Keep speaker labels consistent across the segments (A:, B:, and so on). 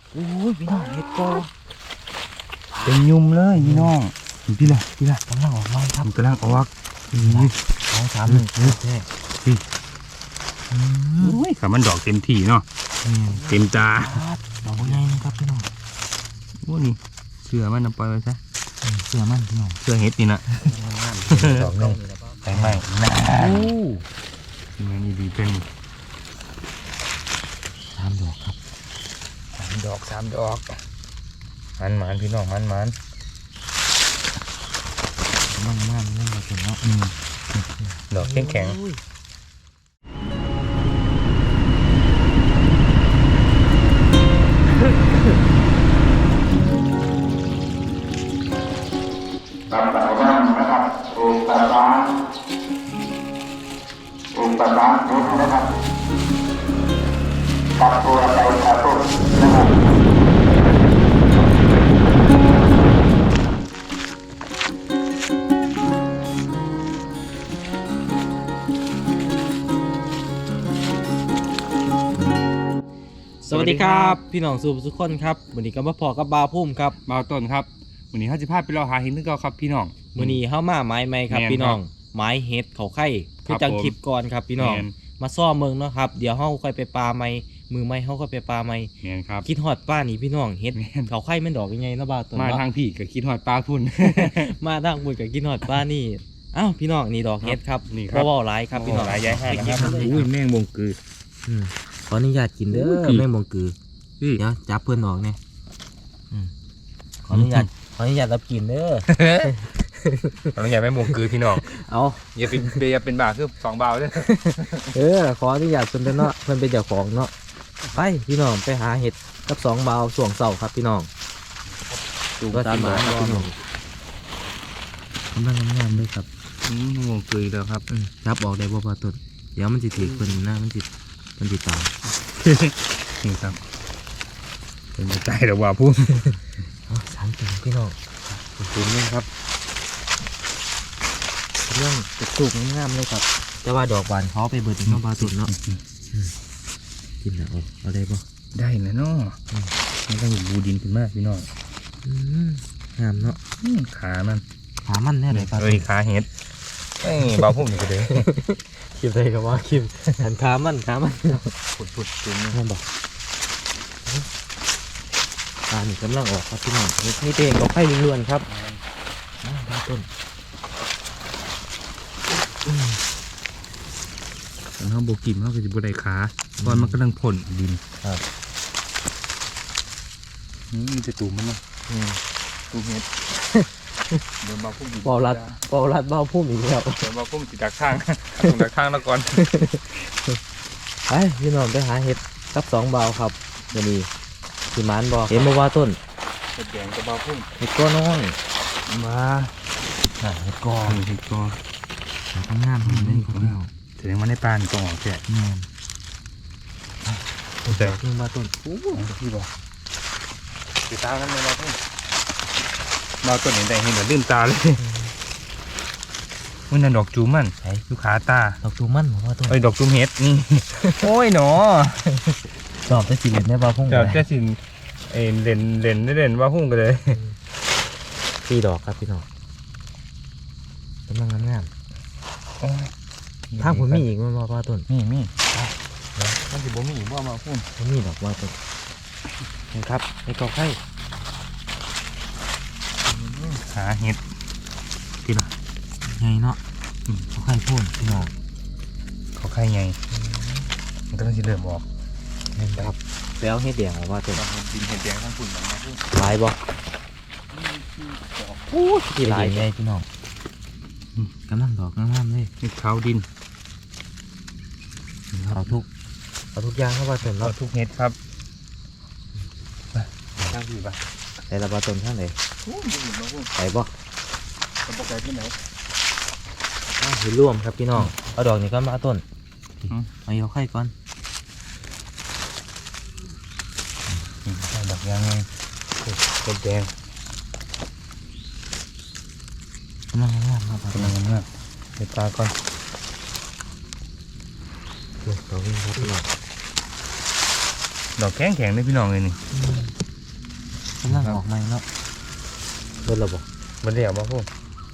A: โอ้ยพี่น้องเห็ดกอเป็นยุ่มเลยพี่น้องพี่ละกำลังออกมาครับกำลังออกนี่2 3 1แท้พี่โอ้ยขามันดอกเต็มที่เนาะเต็มตา
B: ดอกใหญ่นะครับพี่น้อง
A: โอ้นี่เสือมันนำปล่อยไว้ซะ
B: เสือมันพี่น้อง
A: เสือเห็ดนี่นะดอกนึงแต่ไม่น่าที่มันนี่ดีเป็น
B: 3 ดอกครับ
A: 3 ดอกมันพี่น้องมัน
B: งามเล่นมาถึงเนาะ
A: ดอกแข็ง
C: ตามแต่ว่างนะครับองค์ตาบ้านทุกนะครับตัดตัวไปตัดต้นนะครับ
B: สวัสดีครับพี่น้องทุกคนครับวันนี้ก็มาพอกับบาวพุ่มครับ
A: บ่าวต้นครับวันนี้เขาจะพาไปเราหาเห็ดนึงก็ครับพี่น้อง
B: วันนี้เข้ามาไม้ไหมครับพี่น้องไม้เห็ดเขาไข่คือจังคลิปก่อนครับพี่น้องมาซ่อเมืองเนาะครับเดี๋ยวเขาค่อยไปปลาไม้มือไม้เขาค่อยไปปลาไม้
A: ครับ
B: คิดฮอดป้านี่พี่น้องเห็ดเขาไข่มันดอกยังไงนะบ่าวต้น
A: มาทางพี่ก็คิดฮอดปลาพุ่น
B: มาทางบุญกับคิดฮอดป้านี่อ้าวพี่น้องนี่ดอกเห็ดครับเพราะว่าหลายครับพี่น้อง
A: หลายใหญ่ให้นะครับอุ้ยแมงบงกือ
B: ขออนุญาตกินเด้อแมงบงกือเดี๋ยวจับเพื่อนออกเนี่ยขออนุญาตรับกินเด้อ
A: ขออนุญาตแมงบงกือพี่น้อง
B: เอา
A: อย่าเป็นบาคือ2 บาทเด้
B: อขออนุญาตเพิ่นเป็นเนาะเพิ่นเป็นเจ้าของเนาะไปพี่น้องไปหาเห็ดกับ2 บาทส่วงเสาครับพี่น้องดูก็ตามมาพี่น้องกำลังงามๆเลยครับ
A: แมงบงกือแล้วครับ
B: จับออกได้บ่พอต้นเดี๋ยวมันจะถือเพิ่นนะมันจะตาย
A: นี่ครับเป็นใจแต่ว่าพุ่ม
B: 3 ตัวพี่น้อง
A: พุ่มนี่ครับ
B: เรื่องตุกงามเลยครับแต่ว่าดอกบานเขาไปเบิดน้องปลาตุ่นเนาะกินแล้วเอาได้ปะ
A: ได้นะเนาะมันก็อยู่บูดินขึ้นมากพี่น้อง
B: งามเนาะ
A: ขามัน
B: แน่เลยปลา
A: ขาเห็ดเบาพุ่มอยู่เลย
B: คิมได้กับว่าคิมหันขามัน
A: ปุดจุ่ม
B: นี่บอกปลาหนึ่งกำลังออกครับพี่น้องนี่เองก็ไข่ล้วนๆครับปลาต้น
A: เขาโบกิมเขาก็จะโบได้ขาตอนมันกำลังผลดิน
B: ครับ
A: นี่จะตูมมันเนาะตูมเห็ดเดินมาพุ่ม
B: ปอรัดเบาพุ่มอีกแล้ว
A: เดินมาพุ่มติดดักข้างแล้วก่อน
B: ไปพี่น้องไปหาเห็ดกับ2 บาทครับเดี๋ยวนี้สิมานบอกเห็นมาว่าต้น
A: เห็ดแดงกับเบาพุ่ม
B: เห็ดก้อนน้อย
A: มา
B: เห็ดกอทำงานเล่นคนเดียว
A: แสดงว่าในปานกองแกะแต่
B: เรื่องมาต้น
A: พี่บอกติดตานั่นเลยมาต้นเห็นแต่เห็นแต่ลื่นตาเลยมันนั่นดอกจูมันลูกขาตา
B: ดอกจูมันว่าต้น
A: ดอกจูมเห็ดนี่โอ้ยหนอ
B: ดอกจะสีเหลืองได้บ้าพุ่ง
A: ดอกจะสีเล่นว่าพุ่งกันเลย
B: 4 ดอกครับพี่น้องกำลังงามทางผมมีอีกมันว่าต้น
A: มีมันจะบ่มีว่ามาพุ่ง
B: มีดอกว่าต้นนะครับในกอไข่
A: หาเห็ดกิน
B: ไงเนาะเขาไข่พ่นพี่น้อง
A: เขาไข่ไงมันก็ต้องสิเริ่มออก
B: ครับแล้วเห็ดแดงว่าต้น
A: ดินเห็ดแดงทั้งฝุ่นแบบนี้
B: ลายบ่ที่ลายไงพี่น้องกำลังดอกงามเลย
A: นี่ขาวดิน
B: เอาทุกอย่างเข้ามาต้น
A: เอาทุกเห็ดครับข้างที่ปะ
B: แต่ละปลาต้นข้างไหนไปบ่
A: ไปที่ไหน
B: เห็ดร่วมครับพี่น้องเอาดอกนี้ก็มาต้นเอาไข่ก่อน
A: ดอกยางไงเห็ดแดง
B: กำลังงามครับ
A: เห็ดตาก่อน
B: ดอกวิ่งครับพี่น้อง
A: ดอกแข็งเลยพี่น้องเลยนี่
B: กำลังออกใหม่เนาะเบิดระบบ
A: มันเดี๋ยวมาพูด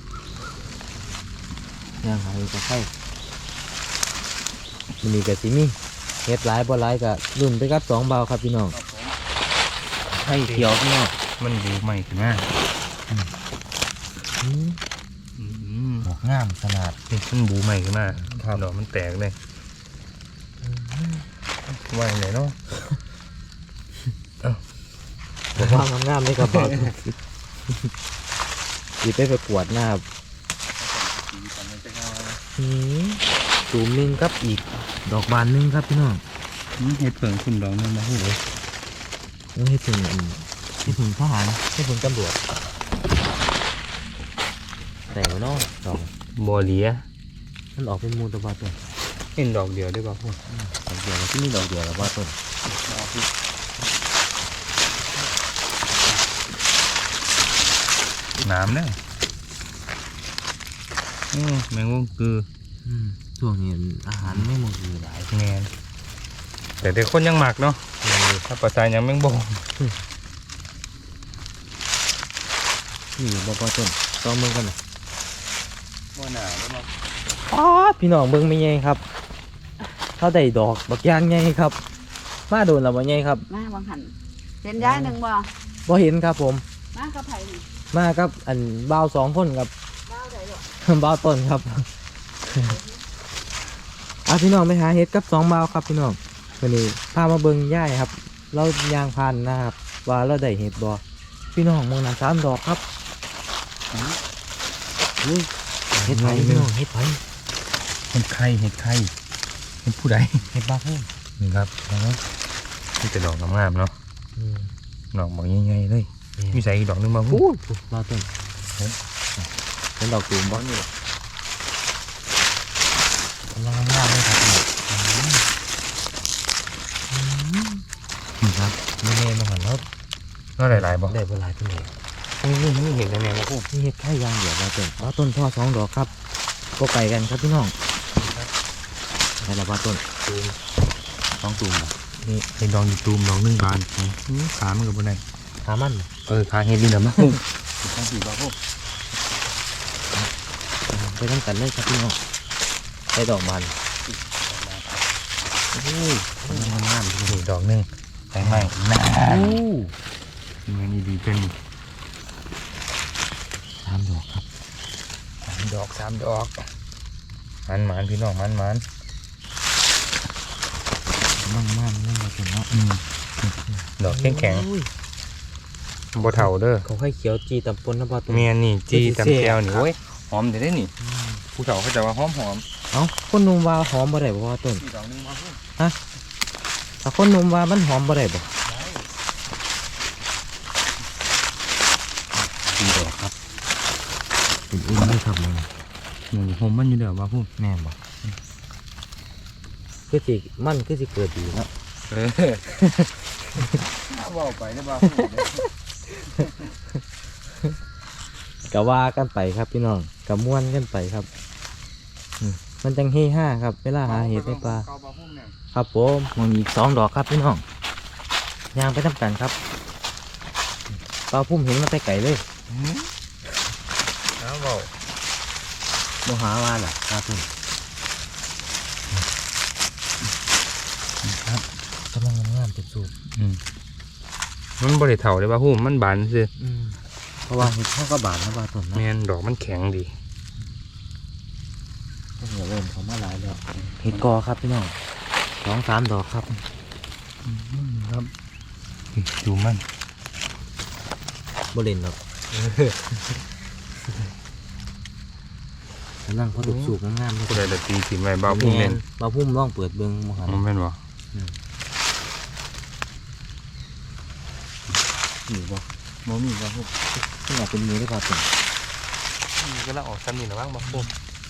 B: ย่างหายกับไข่มันมีกับซิมี่เฮ็ดหลายบ่หลายกับรุ่นไปกับ2 เบาครับพี่น้องไข่เขียวพี่น้อง
A: มันดูใหม่ขึ้นมา
B: ดอกงามขนาด
A: นี่มันบูใหม่ขึ้นมาดอกมันแตกเลยว่าอย่างไรเนาะ
B: ผมว่างามๆเลยครับบอสดีไปประกวดนะครับตูมหนึงครับอีกดอกบานหนึงครับพี่น้อง
A: เห็ดเผิงคุณดอกนึงมาพูดเลย
B: ยังให้ถึงทหารให้ถึงตำรวจแต่ว่าน้องดอก
A: บัวเหลีย
B: มันออกเป็นมูลตะวันต้น
A: เห็นดอกเดียวได้ป่ะพูด
B: ดอกเดียวที่นี่ดอกเดียวแล้วว่าต้น
A: น้ำเนี่ยแมงวงคือ
B: ช่วงนี้อาหารไม่หมดอยู่หลาย
A: แงนแต่เด็กคนยังหมักเนาะถ้าภาษายังแมงบง
B: นี่บ่ต้นต้องเบิ่งกันนะ
A: บ่หนาแล้วมา
B: พี่น้องเบิ่งไม่ใหญ่ครับเขาได้ดอกบักย่างใหญ่ครับมาโดนแล้วบ่ใหญ่ครับ
D: มาบางหันเห็นย้ายหนึ่งบ่
B: บ่เห็นครับผม
D: มากับไผ่นี่
B: มากับอันบ่าว2 คนครับ
D: บ้าวใดหรอก
B: บ่าวต้นครับ พี่น้องไปหาเห็ดกับ2 บ่าวครับพี่น้องวันนี้พามาเบิ่งย่ายครับ เรายางพันนะครับ ว่าเราได้เห็ดบ่พี่น้องมองนั้น3 ดอกครับเห็ดไผ่พี่น้องเห็ดไผ่
A: เห็ดไข่เห็ดไข่เห็ดผู้ใด
B: เห็ดบ้าพุ่ม
A: นี่ครับนี่แต่ดอกงามๆเนาะดอกบางใหญ่ๆเลยมีใส่อีกดอกนึงมาพูด
B: บ่าวต้นเป็นดอกตูมบ่นี่กำลังงามเลยครับนี่ครับนี่แน่มาหันแล้ว
A: ก็หลายๆบ่
B: ได้บ่หลายเท่าไหร่
A: นี่เห็นแน่ๆมาพูด
B: นี่เห็ดไข่ยางเดียวบ่าวต้นพ่อ2 ดอกครับก็ไก่กันครับพี่น้องได้แล้วบ่าวต้น2 ตูม
A: นี่ไอ้ดองอยู่ตูมดองนึงบานขามันกับบ่ได้
B: ขามัน
A: ขาเห็ดดีนะมาพูดขาสีบ่พูด
B: ไปทำกันเลยครับพี่น้องได้ดอกบาน
A: งามๆนี่ดอกนึงใส่ไม้น่ามันดีๆเป็น
B: 3 ดอกครับ
A: 3 ดอกมันพี่น้องมัน
B: มั่งๆนี่มาเป็นเนาะ
A: ดอกแข็งบ่เท่าเด้อ
B: เขาให้เขียวจีตำปนนะบ่าวต้น
A: เมียนี่จีตำแก้วนี่โอ้ยหอมได้นี่ผู้เฒ่าเขาจะว่าหอม
B: เอ้าคนหนุ่มว่าหอมบ่ได้บ่ว่าต้น
A: ดอกนึงมาพูด
B: ถ้าคนหนุ่มว่ามันหอมบ่ได้บ่4 ดอกครับเป็นอุ่นเลยครับมึง
A: หอมมันอยู่เด้อว่าพูด
B: แม่นบ่คือสิเกิดดีเนาะ
A: ว่าไปได้บ่
B: ก็ว่ากันไปครับพี่น้องก็ม่วนกันไปครับมันจังเฮฮาครับเวลาหาเห็ดในป่าครับผมมันมีอีก2 ดอกครับพี่น้องย่างไปทำกันครับปลาพุ่มเห็นมันไปไก่เลย
A: เว้า
B: โมหาว่าล่ะปลาพุ่มครับกำลังงามๆสุด
A: มันบ่ได้เฒ่าได้บ่ฮู้มันบานซื่อ
B: ๆเพราะว่าเห็ดข้าวกระบาดนะปลาต้นนะ
A: แม่นดอกมันแข็งดี
B: ก็เหนียวเริ่มเขามาหลายแล้วเห็ดกอครับพี่น้อง2-3 ดอกครับ
A: ครับดูมัน
B: บ่เล่นหรอกกำลังพอดุสูกงามๆเลย
A: ผู้ใดละตีสิไว้บ่าวพุ่มแม่น
B: ปลาพุ่มลองเปิดเบิ่งมหัน
A: มันแม่นบ่
B: อยู่บ่
A: บ่มีบ่ฮู้
B: นี่อยากเป็นมือได้ปลาต้น
A: ก็ละออกซ้ำนี่ละว่างบ่พุ่ม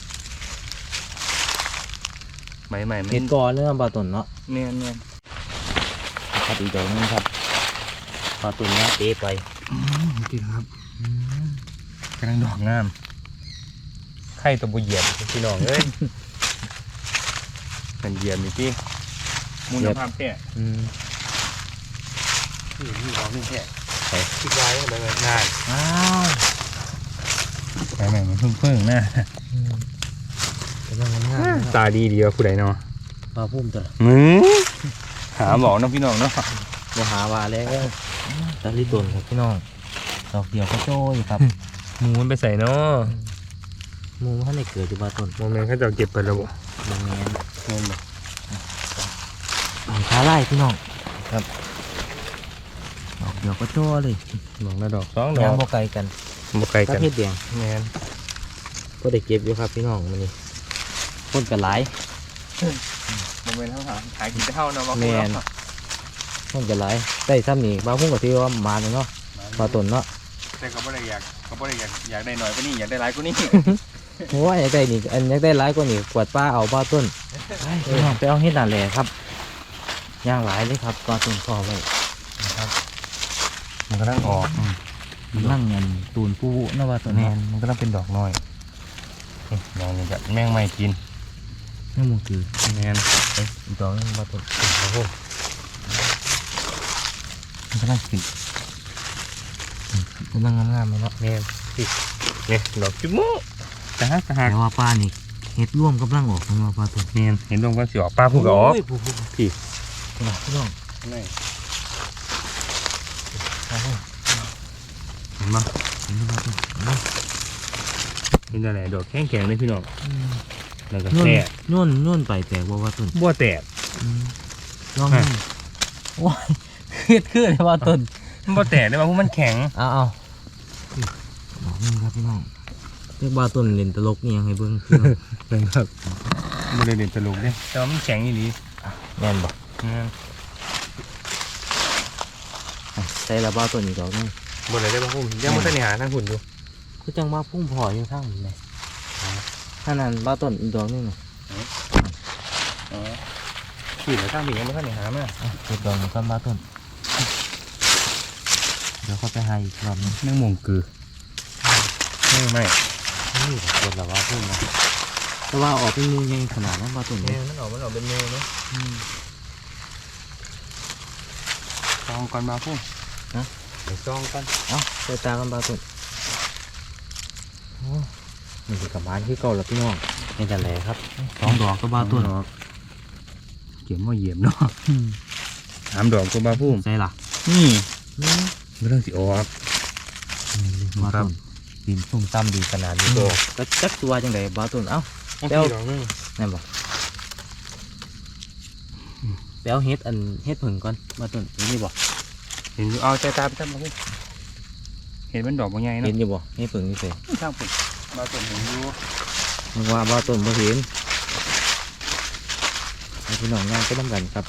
A: ใหม่
B: เห็ดกอเนื้อปลาต้นเนาะ
A: แม่น
B: ครับอีกดอกนึงครับปลาต้นเนี้ยเตะไป
A: พี่ครับกำลังดอกงามไข่ตัวบ่เหยียบพี่น้องเอ้ยมันเหยียบนี่ติมูลภาพแท้นี่ดอกนึงแท้คิดไว้แบบนาน
B: อ้าว
A: ไปใหม่มันเพิ่งนะ
B: กำลังงาม
A: ตาดีดีว่าผู้ใดเนาะ
B: ปลาพุ่มตัว
A: หาหมอน้องพี่น้องเนาะ
B: บ่หาว่าแล้วตะลิตนครับพี่น้องดอกเดียวก็โจ้ยครับ
A: หมูมันไปใส่เนาะ
B: หมูท่านได้เกิดอยู่บ้านต้น
A: โมเมนต์เขาจะเก็บไปแล้วบ่
B: แมน
A: เงินบ่
B: ขาไล่พี่น้องครับดอกเดียวก็โจ้เลย
A: ดอกละดอกสองด
B: ยา
A: อง ก
B: บ่ไกลกัน
A: บ่ไกล
B: กั
A: กับ น
B: เฮ็ดแดง
A: แมน
B: ก็ได้เก็บอยู่ครับพี่น้องมื้อนี้คนก็หลาย
A: โมเมนต์เขาหากินเท่าเนาะว่า
B: แม่น คนก็หลายได้ซ้ำนี่บางพุ่งก็ถือว่ามาเลยเนาะปลาต้นเนาะ
A: แต่ก็บ่ได้อยากได้หน่อยกว่านี้อยากได้หลายกว่านี้
B: โอ้ยอยากได้นี่อันอยากได้หลายกว่านี่กวาดปลาเอาปลาต้นไปพี่น้องไปเอาเฮ็ดนั่นแหละครับย่างหลายเลยครับปลาต้นพอไว้
A: มันก็ต้องออก
B: นั่งเงินตูนปูนะว่าต้น
A: แม
B: เนาะ
A: นมันก็ต้องเป็นดอกน้อยนี่ดอกนี้ก็แมงไม่กิน
B: นี่มันคือ
A: แมน
B: อีกดอกนึงปลาต้น
A: โอ้โหมันก็ต้องกิน
B: กำลังงามๆเลยเนาะ
A: แมนนี่ดอกจุ๊บมุแต่ฮะ
B: แต่ว่าปลานี่เฮ็ดร่วมกำลังออกนะว่าปลาต้น
A: แมนเห็นดวงก็สิออกป้าพูดก็ออก
B: โยผู้พี่
A: พี่
B: นะพี่น้อง
A: นี่
B: เอาพุ่ง
A: เห็นปะ
B: เห็นปลาต้นเอา
A: เห็นอะไรดอกแข็งๆเลยพี่น้องแล้วก็
B: โน่น
A: แตก
B: โน่นไปแต่ว่าปลาต้น
A: บัวแตก
B: ลองดูโอ้ยเครียดขึ้นเลยว่าต้น
A: มันบัวแตกได้ป่ะเพราะมันแข็ง
B: เอาดอกนึงครับพี่น้องเรียกว่าต้นเล่นตลกนี่ยังไงเบิ้งพี่น้อง
A: เป็นแบบบัวเลยเด่นตลกเด้แต่ว่ามันแข็งอย่างนี้
B: แน่นบ่ใส่ละบ้าต้นอีกดอกนึง
A: บัวเลยได้ป่ะพุ่มยังไม่ทันได้หาทางหุ่นอยู่
B: คือจังว่าพุ่งพออยู่ข้างนี้เลยถ้านั้นบ้าต้นอีกดอกนึงน่ะ
A: ขี่แล้วข้างผียังไม่ทันได้หามา
B: เก็บดอกมันก้อนบ้าต้นเดี๋ยวเขาไปหาอีกรอบนึง
A: แมงมุมกือไม่
B: นี่กดละว่าพุ่งนะแต่ว่าออกเป็นมูยังขนาดนั้นบ้าต้น
A: แม
B: เนี่
A: วย มันออกเป็นเมลเนาะซองก่อนมาพุ่มเดี๋ยวซองก่อน
B: เอ้าใส่ตากันบ้าต้นโอ้นี่คือกระบาลที่เก่าแล้วพี่น้องนี่แต่แหละครับ2 ดอกก็บ้าต้น
A: เกี่ยวมาเหยียบเนาะ3 ดอกก็มาพุ่ม
B: ใส่ละ
A: นี่ไม่ต้องสิออก
B: บ้า
A: ครั
B: ต้
A: บ
B: นดินซุ่มซ้ำดีขนาดนี้ก็จักตัวจังไดบ้าต้นเอ้า
A: เดี๋ยวดอกนึง
B: แน่นบ่ไปเอาเฮ็ดเฮ็ดผึ่งก่อนบ้าต้นนี่บ่
A: เห็นอยู่เอาใจตาไปจับมาพุ่มเห็นมันดอกบางใหญ่
B: เห็
A: เนาะ
B: นอยู่บ่เฮ็ดผึ่งนี่เส
A: ข้างพุ่มมาต้นเห็นอยู่
B: มึงว่าบ้าต้นบ่เห็นให้พี่น้องย่างไปนำกันครับ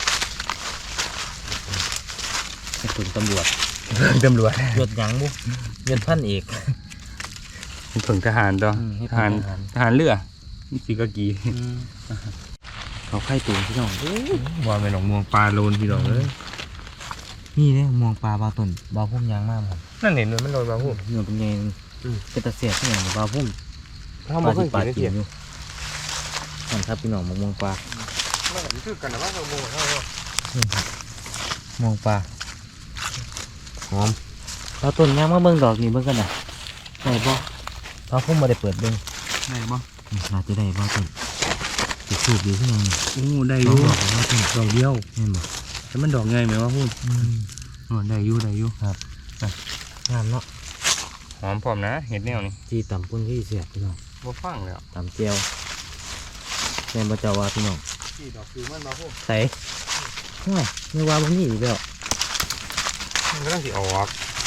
B: เฮ็ดผึ่งตำรวจ
A: ตำรวจ
B: ยศหยังบุยศพันเอก
A: ถึงทหารดอก
B: เฮ็ด
A: ทหาร ทหารเรือนี่สิกะกี
B: เขาไข่ตูนพี่น้อง
A: ว่าเป็นหนองมวงปลาโลนพี่น้องเลย
B: นี่เด้มองปลาบ้าต้นบ้าพุ่มยางมากผม
A: นั่นเห็นมันโลนมาพุ่ม
B: เนื้อเป็นไงเป็นตะเสียบที่ไหนบ้าพุ่ม
A: ถ้ามันเคย
B: ปลา
A: กินได้
B: กิ
A: เทีย
B: นอยู่นั่นครับพี่น้องมองปลา
A: มันก็คือกันนะว่าเราโม่เท่าไหร่
B: มองปลาหอมเราต้นยางมาเบิ่งดอกนี่เบิ่งกันนะได้บ่เราพุ่มมาได้เปิดเบิ่ง
A: ได้บ่
B: น่าจะได้บ่ต้นติดสูบดีขึ้นยังนี่
A: โอ้ได้อ
B: ด
A: ยู่
B: อกว่าต้น
A: ดอกเดียว
B: เห็นบ่
A: แต่มันดอกไงไหมว่าพุ่มได้อยู่ได้อยู่
B: งามเนาะ
A: หอมพร้อมนะเห็ดแนวนี่
B: ที่ต่ำปุ่นที่เสียบพี่น้อง
A: บ่ฟังแล้ว
B: ต่ำเจียวแม่นบ่เจ้าว่าพี่น้อง
A: ที่ดอกคือมันมาพุ่ม
B: ใส่ห้วยไม่ว่ามันนี่อีกแล้ว
A: มันก็ต้องสิออก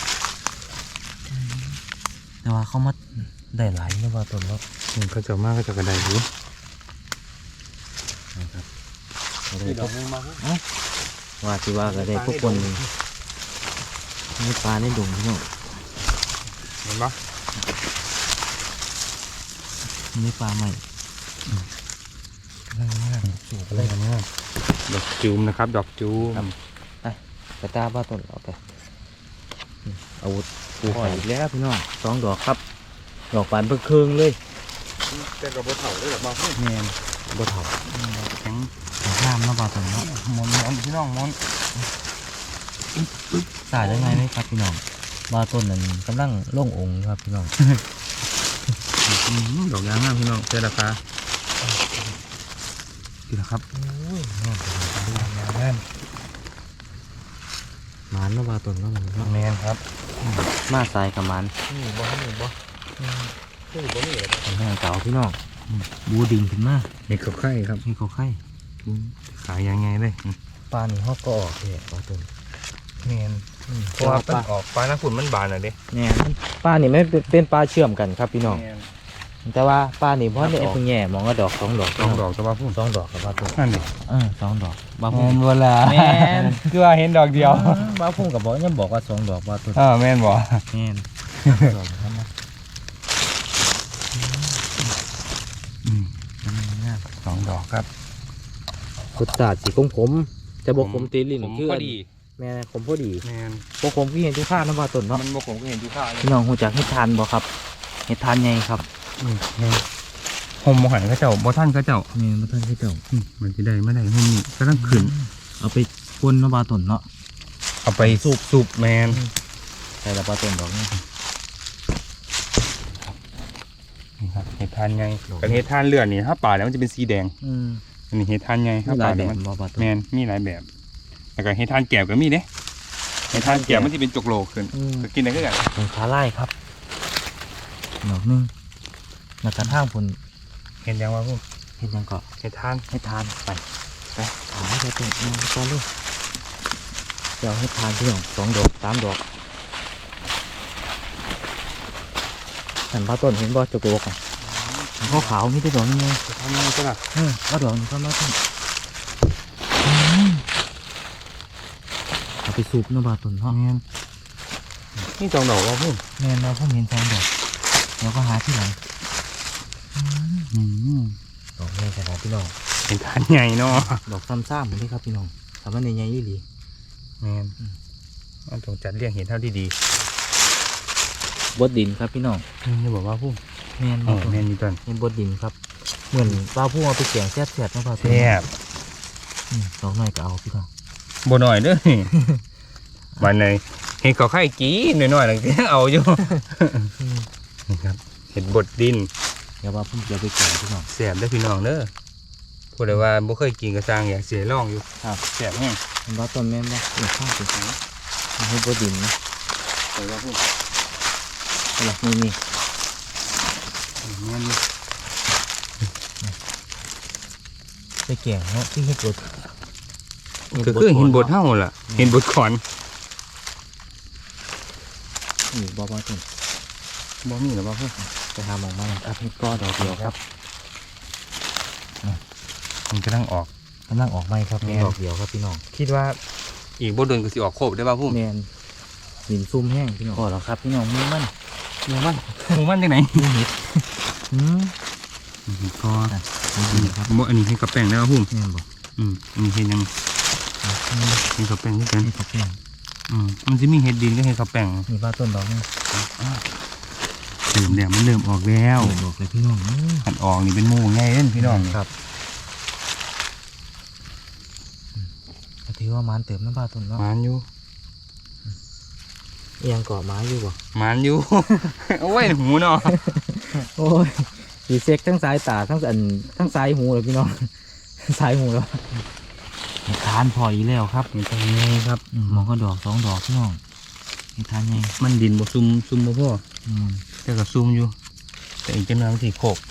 B: แต่ว่าเขามาได้หลายไม่ว่าต้นแล้ว
A: เขาจะมากก็จะกระไดอยู่
B: นะครับก็ได้
A: ที่ด
B: พ
A: อบ กนึงมาพุ่ม
B: ว่าสิว่าก็ได้พวกคนมีปลาในดงพี่น้อง
A: เห็นปะ
B: มีปลาใหม่
A: สูบอะไรกันเนี่ยดอกจูมนะครับ ดอกจูม
B: กระตาบ้าต้นเอาไปอาวุธปูหอยอีกแล้วพี่น้อง2 ดอกครับ ดอกปานเพิ่งเครื่องเลย
A: แต่กับบ่เถ่าเลยดอกมาพุ่ม
B: แม่นบ่เท่า
A: แข็ง
B: น้ำเนาะปลาต้นเนาะ
A: มอนพี่น้องมอน
B: สายได้ไงไหมครับพี่น้องบาต้นนั้นกำลังลงองค์ครับพี่น้อง
A: ดอกยางงามพี่น้องเจราคาดีแล้วครับ
B: โอ้ยงาม
A: งาม
B: หมันเนาะบาต้นเนาะมันเนาะ
A: แมนครับ
B: มาสายกับหมัน
A: นี่บ่นี่บ่นี่
B: เป็นทางเก่าพี่น้องบูดิ่งขึ้นมา
A: นี่เขาไข่ครับ
B: นี่เขาไข่
A: ขายยังไงเลย
B: ปลานี่ฮอกก็ออกเลยบาต้น
A: แมนเพราะว่ามันออกปลาหน้าฝุ่นมันบานอ่ะเด้
B: เนี่ยปลานี่ไม่เป็นปลาเชื่อมกันครับพี่น้องแต่ว่าปลานี่เพราะเนี่ยเพิ่งแง่มองก็ดอก2 ดอก
A: สองดอกตัวบ้าพุ่ม
B: 2 ดอกครับบาต้น
A: นั่นดิ
B: 2 ดอกบา
A: แม
B: พุ่ม
A: นเวลา
B: แม่น
A: คือว่าเห็นดอกเดียว
B: บาพุ่มกับบอกยังบอกว่า2 ดอกบาต้น
A: แมนบ่
B: แม่นดอกครับนะ
A: สองดอกครับ
B: รสชาติสีขมจะบอกขมตีลิ้น
A: ผม
B: คือ
A: พอดี
B: แม่ขมพอดี
A: แมน
B: พวกขมที่เห็นทุกข้าน้ำบาต้นเนาะ
A: มันบ่ผมก็เห็นอยู่ข้าวเลย
B: พี่น้องหูจักเห็ดทานบ่ครับเห็ดทานใหญ่ครับ
A: ห่มบ่หันเขาเจ้าบ่ท่านเขาเจ้า
B: นี่มาท่านที่เจ้า
A: มันจะได้ไม่ได้ห่มนี่ก็ต้องขึ้น
B: เอาไปปนน้ำบาต้นเนาะ
A: เอาไปสูบแมน
B: ใส่ละบาต้นดอกนี่
A: นี่ครับเห็ดทานไงกับเห็ดทานเลือดนี่ถ้าป่าแล้วมันจะเป็นสีแดงอันนี้เห็ดทานไงถ้า
B: มีหลา
A: ป่าย
B: แบ
A: แล้ว
B: บ
A: มัน
B: บ่บาต้น
A: แมนมีหลายแบบแล้วก็เห็ดทานแก้วก็มีเด้เห็ดทานแก้วมันจะเป็นจกโลขึ้นก็กินได้คือกัน
B: เป็นขาไล่ครับดอกนึงแล้วก็ทางผล
A: เห็นยังวะพวก
B: เห็ดหยังก็
A: เห็ดทาน
B: เห็ดทานไปหาให้บาต้นมาก่อนเลยเดี๋ยวเห็ดทานพี่น้อง2 ดอก 3 ดอกสันบาต้นเห็นบ่จะโกกันเขาขาวมีแต่ดอกนี่ไง
A: เห็ดทานไงก็ล่ะ
B: เอาดอกนี้ก็มาต้นเอาไปสูบเนาะบาต้นเนาะ
A: แมนนี่สองดอกวะพวก
B: แม่นเราผมเห็น2 ดอกเดี๋ยวก็หาที่หลังดอกนี้ขนาดพี่น้อง
A: เห็ดทานใหญ่เนาะ
B: ดอกซ้ำๆเหมือนที่ครับพี่น้องทำมันใหญ่ๆอีหลี
A: แมนมันต้องจัดเรียงเห็ดเท่าที่ดี
B: บดดินครับพี่น้อง
A: นี่บอกว่าพวก
B: แม่น
A: แมนมีต้น
B: เป็นบดดินครับเหมือนปลาผู้เอาไปเสียงแซ่บๆเนาะปลา
A: แซ่บ
B: ดอกน้อยก็เอาพี่น้อง
A: บ่หน่อยเด้อวันไหนเห็ดเขาไข่กี้หน่อยๆหลังจากเอาอยู่นี่ครับเห็ดบดดิน
B: เดี๋ยวว่าผมจะไปแกงพี่น้อง
A: แซ่บได้อพี่น้องเด้อพูดเลยว่าบ่เคยกินกระซังอยากเสียลองอยู่
B: ครับ
A: แซ่บแห้ง
B: เห็นว่าต้นแม่นบ่นี่ข้างสิให้บดดินนะ
A: ใส่ว่าพวก
B: เอาล่ะนี่
A: แม่นอยู่
B: ไปแกงเนาะที่เฮ็ดบด
A: ก็คือเห็นบดเท่าล่ะเห็นบดขอน
B: นี่บ่ต้น
A: บ่มีหรอว่าพวก
B: ไปหาหมองมาครับเฮ็ดก็ดอกเดียวครับ
A: มันกำลังออก
B: กำลังออกไหมครับดอกเดียวครับพี่น้อง
A: คิดว่าอีกบ่โดนก็สิออกโคบได้ป่ะพุ่ม
B: แมนหินซุ่มแห้งพี่น้องก็แล้วครับพี่น้องมือมัน
A: หมูมันจังไหน
B: มือเห็ด
A: ก็
B: นี่ครับ
A: บ่อันนี้ให้กับแป้งได้ป่ะพุ่ม
B: แม่นบอก
A: อันนี้เห็ดยังให้กับแป้งที่กัน
B: นี่กับแป้ง
A: มันจะมีเห็ดดินก็เห็ดกับแป้ง
B: นี่ปลาต้นดอกนี่
A: เริ่มแล้วมันเริ่มออกแล้ว
B: ดอกเลยพี่น้อง
A: ขันออกนี่เป็นหมูง่ายเล่นพี่น้อง
B: ครับถือว่ามันเติมน้ำปลาต้นเนาะ
A: มันอยู่
B: เอียงเกาะไม้อยู่บ่
A: มันอยู่ โอ้ยหูเนาะ
B: โอ้ยสีเซ็กทั้งสายตาทั้งสายหูเลยพี่น้อง สายหูแล้วทานพออีแล้วครับ
A: มันจะไงครับ
B: มองก็ดอก2 ดอกพี่น้องทานไง
A: มันดินบ่ซุ่มบ่พ่อแต่ก็ซุ่มอยู่ แต่อีกจังหวะมันสิโคก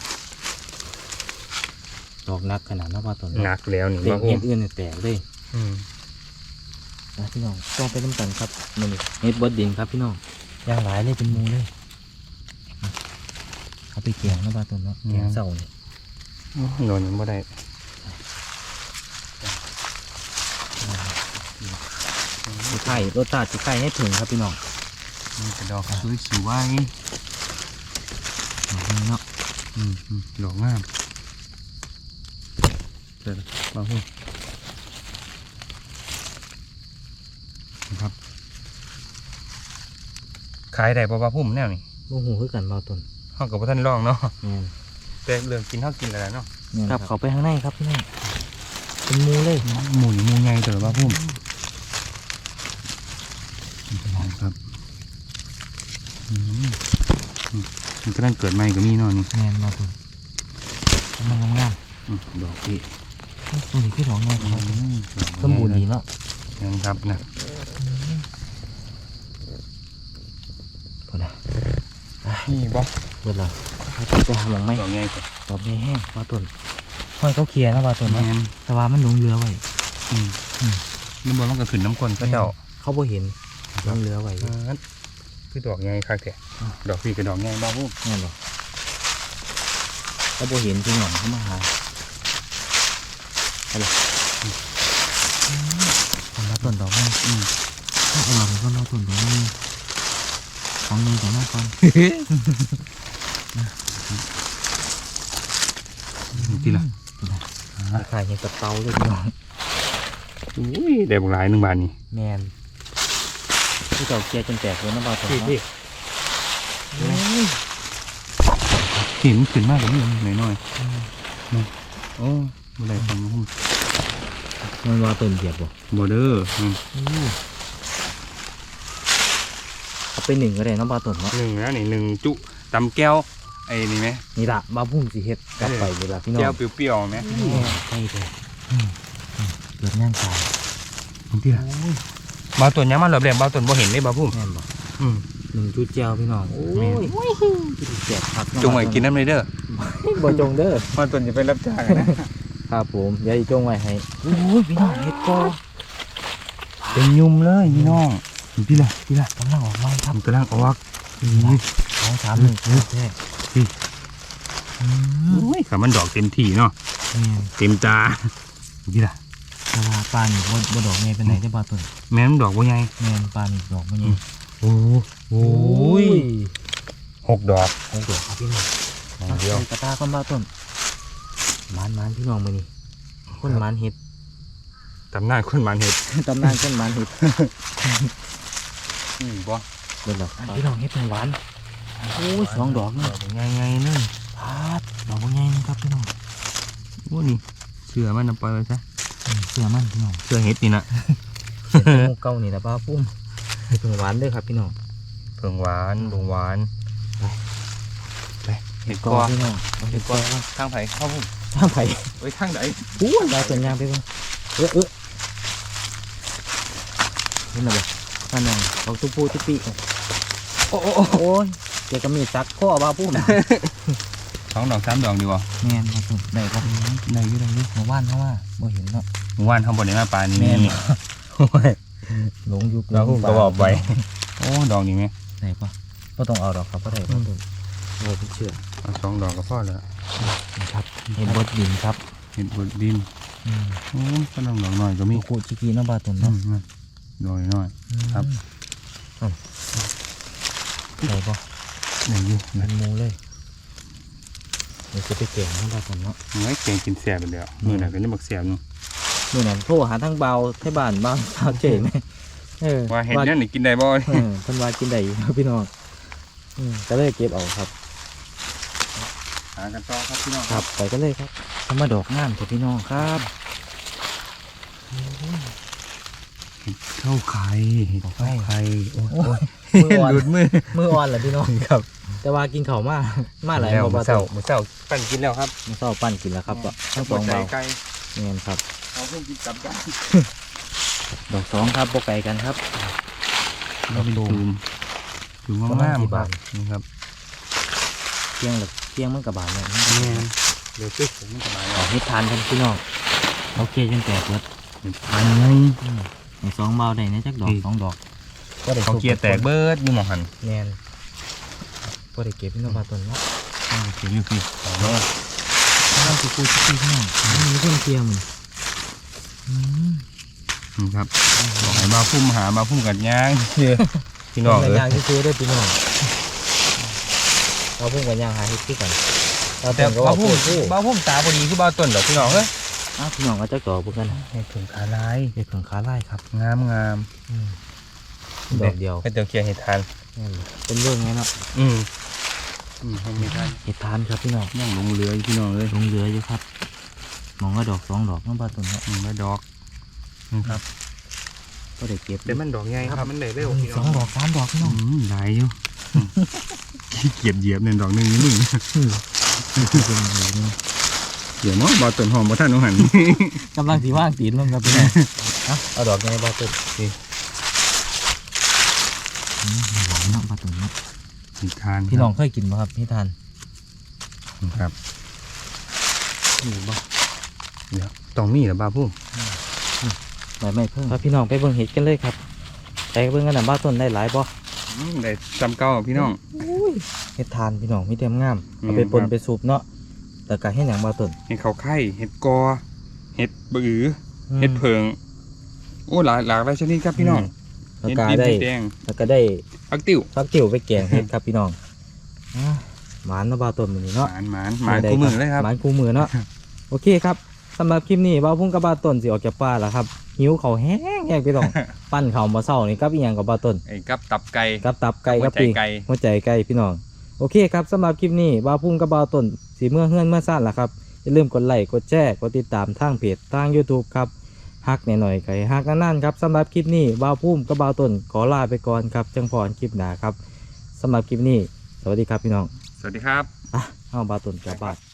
B: ดอกนักขนาดน้ำปลาต้น
A: หนักแล้วนี่
B: เต็ม
A: ว่า
B: เห็
A: พุ่
B: ดอื่นเนี่ยแตกเลย นะพี่น้องต้องไปน้ำกันครับมันเฮ็ดบดดินครับพี่น้องย่างหลายเลยเป็นหมูเลยเอาไปเกี่ยงนะบ้าต้นเนาะเกี่ยงเสาเนี่ย
A: โดนยังบ่ได้
B: สีไข่รสชาติสีไข่ให้ถึงครับพี่น้อง
A: มันจะดอกสวย
B: เนาะ
A: ดอกงามเดี๋ยวมาพุ่มครับขายได้บ่พุ่มแนวนี่
B: โอ้โหคือกันบ้าต้น
A: ห้องกับท่านลองเนาะ
B: แม่น
A: แต่เรื่องกินเท่ากินอะไรเนาะ
B: ครับเขาไปข้างในครับพี่น้องเป็นหมูเลย
A: หมูใหญ่เต๋อว่าพุ่มครับมันก็นั่งเกิดใหม่ก็มีเนาะนี่
B: แมนมาตุนมันงาม
A: ดอกพี่
B: ๆตัวนี้คือดอกงามครับสมบูรณ์ดีเนาะ
A: ยังครับนะ
B: พอละ
A: นี่บ่
B: เบิดแล้วไปหาหมองไหม
A: ดอกใหญ่กว่า
B: ดอกแห้งมาตุนห้อยเขาเคลียร์นะมาตุน
A: แม่
B: เนาะ
A: น
B: แต่ว่ามันหลงเรือไว้
A: น้ำบอลมันก็ขึ้นน้ำก้นก็เจ้า
B: เขาบ่เห็นหลงเรือไว้
A: คือดอกใหญ่คักแท้ดอกพี่กับดอกใหญ่บ้าพุ่ม
B: แม่นบ่เขาบ่เห็นพี่น้องเขามาหาไปเลยมาตุนดอกนี้เอาหลังก็มาตุนดอกนี้ของนี้ของน้าก่อน
A: ทีละ
B: ขายเห็ดกับเตาเลยพี่น้อง
A: อุ้ยได้บุหลาย1 บาทนี่
B: แมนที่เจ้าเกียร์จนแตกเลยนะบ่าวตัว
A: พี่เห็นขึ้นมากกว่านี้หน่อยโอ้บุหลายฟังพุ่ม
B: มันว่าต้นเหยียบบ่
A: บอเดอร์
B: เอาไปหนึ่งก็ได้เน้องบ่าวต้นเนาะ
A: 1แล้วนี่1จุตำแก้วไอ้นี่ไหม
B: นี่ละบ่าวพุ่มสิเฮ็ดกลับไปเวลาพี่น้อง
A: แก้วเปรี้ยวๆไหม
B: ใช่เลยเกิดย่างตาย
A: ที่ละบาต้นยังมาเหลือบแหลมบาต้นบ่เห็นเลยบาพุ่ม
B: แม่นบ่หนึ่งจุดเจียวพี่น้องโอ้ยแจกผัก
A: จงไว้กินน้ำเลยเด้อ
B: บ่จงเด้อบ
A: าต้นจะไปรับจ้างนะครับ
B: ผมเดี๋ยวอีจงไว้ให้โอ้ยพี่น้องเฮ็ดก็
A: เป็นยุ่มเลยพี่น้องพี่ละ
B: กำลังออกมาค
A: ท
B: รับ
A: ำกำลังออก
B: 2 3 1แท้
A: อุ้ยขามันดอกเต็มที่เนาะ
B: แม่น
A: เต็มตาพี่ละ
B: แต่ว่าปลานี่บ่ดอกใหญ่เป็นไหนได้อบ่าวต้น
A: แม่นดอกบ่ใหญ่
B: แม่นปลานี่ดอกบ่ใหญ่
A: โอ้ย6 ดอก
B: โอ้โหครับพี่น้อง
A: เดียว
B: กระตาก้อนบ่าวต้นมันพี่น้องมื้อนี้คนมันเฮ็ด
A: ตำนานคนมันเห็ด
B: ตำนานคนมันเฮ็ด
A: บ่
B: เบิ่งดอกพี่น้องเฮ็ดเป็นหวานโอ้ย2 ดอก
A: ด
B: เนาะ
A: อกใหญ่ๆเลย
B: พาดดอกบ่ใหญ่นะครับพี่น้อง
A: โอ้นี่เสือมันนำไปไว้ซะ
B: เสื้อมันพี่น้อง
A: เสือเห็ดนี่นะ
B: เสื้อเก่านี่นะป้าปุ้มเฮ็ดเป็นหวานเด้อครับพี่น้อง
A: เพิ่งหวานลงหวานไปเห็ด
B: ก่
A: ก
B: อ
A: อน
B: พี่น้อง
A: เห็ดกอทางไผ่เข้าพุ่ม
B: ทางไผ
A: ไว้ทางไหน
B: อู้ดาวต้นยางไปเบิ่งเห็นแล้วบ่นั่นน่ะเอาตุ๊ปูตุ๊ปีโอ้ยเดี๋ยวก็มีซักข้อป้าปุ้ม
A: 2 ดอก 3 ดอกดีบ่
B: แม่นครับผมได้ครับ
A: ได้อยู่
B: เมื่อวานเขาว่าบ่เห็นเนาะ
A: เมื่อวานเขาบ่ได้มาปลานี่
B: แม่น
A: โอ้ย
B: หลงยุค
A: เราก็บอกไว้โอ้ดอกนี่ไหม
B: ไหนปะบ่ต้องเอาดอกครับบ่ได้บ่ต้องเราเชื่อ
A: เอา2 ดอกก็พอแล้ว
B: นะครับเห็นบดดินครับ
A: เห็ดบดดินโอ้ก็ดอกน้อยก็มี
B: มีกูจิกีเนาะบาตุน
A: อื
B: เนาะ
A: มน้อย ครับ
B: ไหนปะ
A: นี่อยู่
B: เป็นหมูเลยเดี๋ยวจะไปเก่งเนาะบาตุนเนาะ
A: ไว้แกงกินแซ่บไปแล้วมื้อนั้นก็ยังบักแซ่บนู่น
B: เมื่อนั้นโทรหาทั้งเบาไทบ้านบ้างสาวเจ๋ไหม
A: ว่าเห็ดเนี่ยนี่กินได้บ่
B: เพิ่นว่ากินได้อยู่ครับพี่น้องก็เลยเก็บเอาครับ
A: หากันต่อครับพี่น้อง
B: ครับไปก็เลยครับทำมาดอกงามเถอะพี่น้องครับ
A: เข้าไข่เข้าไข่โอ้ย
B: มืออ่อน
A: หลุดมือ
B: มืออ่อนเหรอพี่น้อง
A: ครับ
B: แต่ว่ากินข้าวมาหลาย
A: แล้ว
B: บ่
A: มื้
B: บา
A: อ
B: ตุ
A: เช้าน มื้อเช้าปั่นกินแล้วครับ
B: มื้อเช้าปั้นกินแล้วครับทั้งสอง
A: ไก่
B: เบา
A: ไก่
B: เงี้ยครับ
A: เอาเพิ่งกินกลับกัน
B: ดอก2ครับบ่ไกลกันครับ
A: เราเป็นตูมตูมมากๆครับนี่ครับ
B: เที่ยงมันกับบานเลย
A: เดี๋ยวซื้อผมมันจะมา
B: ออกให้ทานกันพี่น้องโอเคจนแตกเบิด
A: อันไง
B: ใน2เบาได้นะจักดอก2 ดอกก็ได้
A: เขาเกียร์แตกเบิดอยู่หมองหัน
B: แม่นก็ได้เก็บพี่น้องบาตุนเนาะ
A: เกียร์อยู่พี่เอาเนาะ
B: น้ำสิกูพี่น้องมีเพิ่นเกียร์มัน
A: ครับบอกให้มาพุ่มหามาพุ่มกัดย่างเชื่อพี่น้อง
B: กั
A: เอ้ย
B: ย่างที่ซื้อได้พี่น้องเราเพิ่งกันย่างหาเฮ็ดที่กันเรา
A: แต่
B: เพิ่งก็
A: มา
B: ว่า
A: พุ่
B: พู
A: ม
B: ดพูด
A: มาพุ่มตาพอดีคือบ้าต้นดอกพี่น้องเอ้ย
B: พี่น้องก็จักดอกเพิ่นกัน
A: ให้ถึงขาลาย
B: เฮ็ดเพิ่งขาลายครับ
A: งาม
B: ดอกเดียว
A: ให้เดี๋ยวเกียร์ให้ทาน
B: เป็นเรื่องไงเนาะ
A: ให้ไม่ทาน
B: เฮ็ดทานครับพี่น้อง
A: ย่างลงเรืออยู่พี่น้องเอ้ย
B: ลงเรืออยู่ครับมองก็ดอก2 ดอกน้องบาตุนเนาะ
A: มาดอกนี่ครับ
B: ก็ได้เก็บ
A: แต่มันดอกใหญ่ครับมันได้เร็วพี่น้
B: ส
A: อ
B: อง งดอกสามดอกพี่น้อง
A: หลายอยู่ขี้เกียจเหยียบเนี่ยดอกหนึงนี่มึงเดี๋ยวมั้งบาต้นหอมบ่ท่านน้องหัน
B: กำลังสีว่างตีนลงครับพี่น้องเอาดอกไงบาต้นหวานเนาะบาต้นเนาะ
A: ทาน
B: พี่น้องเคยกินไหมครับพี่ทาน
A: ครับนี่บ่เดี๋ยวต้องมีเหรอบ้าพุ่ม
B: ไม่เพิ่งครับพี่น้องไปเบิ่งเห็ดกันเลยครับไปเบิ่งกันนะบาต้นได้หลายบ่
A: ได้จำเก่าพี่น้อง
B: เห็ดทานพี่น้องมีเต็มงาม
A: อืม
B: เอาไปปนไปสูบเนาะแต่ก็ให้หนังบาต้น
A: เห็ดเขาไข่เห็ดกอเห็ดบือเห็ดเพิงโอ้หลายหลายชนิดครับพี่น้อง
B: แล้ว
A: เห็ด
B: ก็
A: ดิบ
B: ได้
A: เห็ดแดง
B: แล้วก็ได้
A: พักติ้ว
B: ฟักติ๋วไปแกงเห็ดครับพี่น้องหมานเนาะบาต้นมื้อนี้
A: ห
B: เนาะ
A: มานคู่มือเลยครับ
B: หมานคู่มือเนาะ โอเคครับสำหรับคลิปนี้บ่าวพุ่งกับบาต้นสิออกจากป่าแล้วครับหิวเขาวแห้งๆพี่น้อง ปั้นเขาวมาเศร้านี่กับอีหยังกับบาต้น
A: ไอ้กับตับไก่
B: กับตับไก่
A: หัว
B: กับ
A: ใจ
B: ปีก
A: ไก่
B: หัวใจไก่พี่น้องโอเคครับสำหรับคลิปนี้บ่าวพุ่งกับบาต้นสีเมื่อเฮือนเมื่อซ่านล่ะครับอย่าลืมกดไลค์กดแชร์กดติดตามทางเพจทาง YouTube ครับฮักหน่อยๆไก่ฮักนั่นๆครับสำหรับคลิปนี้บ่าวพุ่งกับบาต้นขอลาไปก่อนครับจังพรคลิปหน้าครับสำหรับคลิปนี้สวัสดีครับพี่น้อง
A: สวัสดีครับ
B: เอาบาต้นกลับบ้าน